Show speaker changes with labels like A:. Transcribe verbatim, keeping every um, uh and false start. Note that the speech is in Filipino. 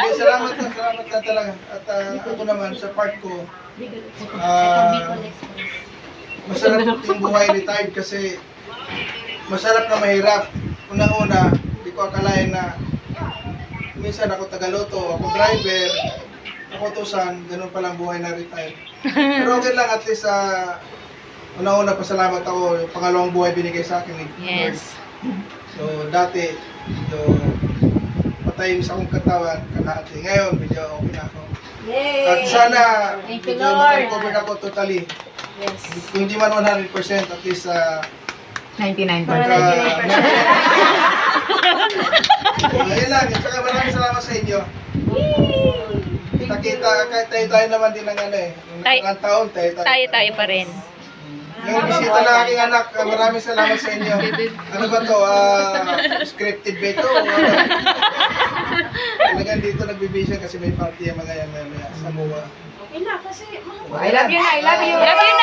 A: Okay, salamat na, salamat na talaga. At ah, ako naman, sa part ko, ah, masarap yung buhay retired kasi masarap na mahirap. Unang-una, hindi ko akalain na minsan ako tagaloto, ako driver, ako tusan, ganun palang buhay na retired. Pero okay lang, at least uh, una-una pasalamat ako, yung pangalawang buhay binigay sa akin ni Lord.
B: Yes.
A: So dati, medyo patay sa akong katawan, kalahati. Ngayon, medyo okay na ako.
C: Yay!
A: At sana,
C: Thank you,
A: medyo
C: Lord.
A: makarecover ako totally.
C: Yes.
A: Kung hindi man one hundred percent, at least uh,
D: ninety-nine
A: pagka...
D: percent.
A: Ayun lang, at saka maraming salamat sa inyo. Kita-kita, kahit tayo-tayo naman din ng ano eh. Nung
B: Tay-
A: nakakang taon, tayo-tayo.
B: Tayo-tayo pa rin.
A: Yung bisita ng aking anak, ah, maraming salamat sa inyo. Ano ba to? Ah, scripted ba ito? O ano? Talagang dito nagbibisyon kasi may party ang mga yan maya sa M O A.
C: Okay na, kasi mga
D: I love you na, I love you.
B: Love you